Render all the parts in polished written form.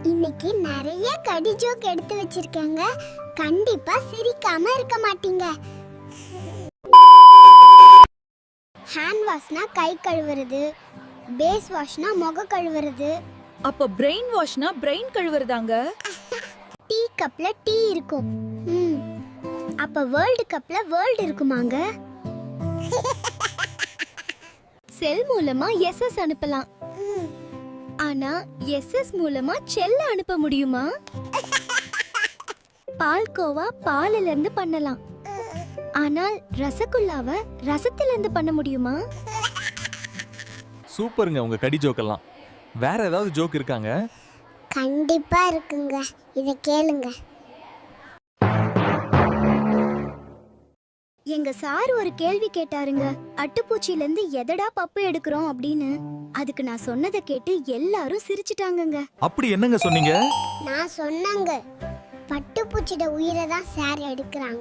இன்னைக்கு நிறைய கடி ஜோக் எடுத்து வச்சிருக்கேங்க. கண்டிப்பா சிரிக்காம இருக்க மாட்டீங்க. ஹேண்ட் வாஷ்னா கை கழுவுறது, பேஸ் வாஷ்னா முக கழுவுறது. அப்ப பிரெயின் வாஷ்னா பிரெயின் கழுவுறதாங்க. டீ கப்ல டீ இருக்கும். அப்ப வேர்ல்ட் கப்ல வேர்ல்ட் இருக்குமாங்க. செல் மூலமா எஸ்எஸ் அனுப்பலாம். ஆனா எஸ்எஸ் மூலமா செல்ல அனுப்ப முடியுமா? பால்கோவா பாலில இருந்து பண்ணலாம். ஆனால் ரசகுல்லாவை ரசத்துல இருந்து பண்ண முடியுமா? சூப்பருங்க உங்க கடி ஜோக்கெல்லாம். வேற ஏதாவது ஜோக் இருக்காங்க? கண்டிப்பா இருக்குங்க. இத கேளுங்க. எங்க சார் ஒரு கேள்வி கேட்டாருங்க. அட்டுப்பூச்சில இருந்து எதடா பப்பு எடுக்கிறோம் அப்படின்னு. அதுக்கு நான் சொன்னதை கேட்டு எல்லாரும் சிரிச்சிட்டாங்கங்க. அப்படி என்னங்க சொன்னீங்க? நான் சொன்னங்க, பட்டுப்பூச்சியோட உயிரை தான் சார் எடுக்கிறாங்க.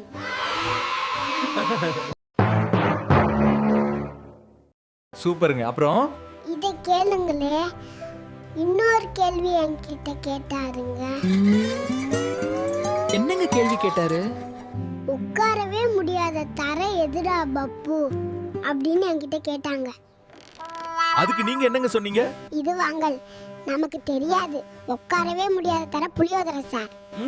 சூப்பருங்க. அப்புறம் இத கேளுங்களே. இன்னொரு கேள்வி என்கிட்ட கேட்டாருங்க. என்னங்க கேள்வி கேட்டாரு? உட்காரவே முடியாத தரை எதுடா பப்பு அப்படின்னு என்கிட்ட கேட்டாங்க. அதுக்கு நீங்க என்னங்க சொன்னீங்க? இது வாங்கல், நமக்கு தெரியாது. உட்காரவே முடியாத தரை புளியோதரை சார்.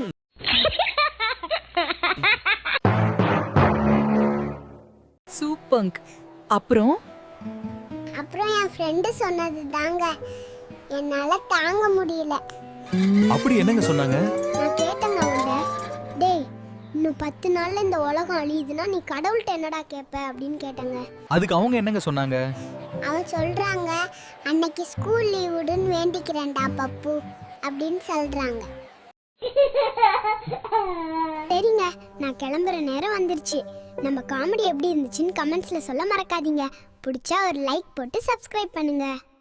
சூப்பங்க. அப்புறம் என் ஃப்ரெண்டு சொன்னது தாங்க என்னால தாங்க முடியல. அப்படி என்னங்க சொன்னாங்க? நான் கேட்டேங்க அவன்ட, டேய் இன்னும் 10 நாள்ல இந்த உலகம் அழியுதுன்னா நீ கடவுள்கிட்ட என்னடா கேட்ப அப்படின்னு கேட்டேங்க. அதுக்கு அவங்க என்னங்க சொன்னாங்க? அவன் சொல்றாங்க, அன்னைக்கு ஸ்கூல் லீவ் விடுன்னு வேண்டிக்கிறேன்டா பப்பு அப்படின்னு சொல்றாங்க. சரிங்க, நான் கிளம்புற நேரம் வந்துருச்சு. நம்ம காமெடி எப்படி இருந்துச்சுன்னு கமெண்ட்ஸ்ல சொல்ல மறக்காதீங்க. பிடிச்சா ஒரு லைக் போட்டு சப்ஸ்கிரைப் பண்ணுங்க.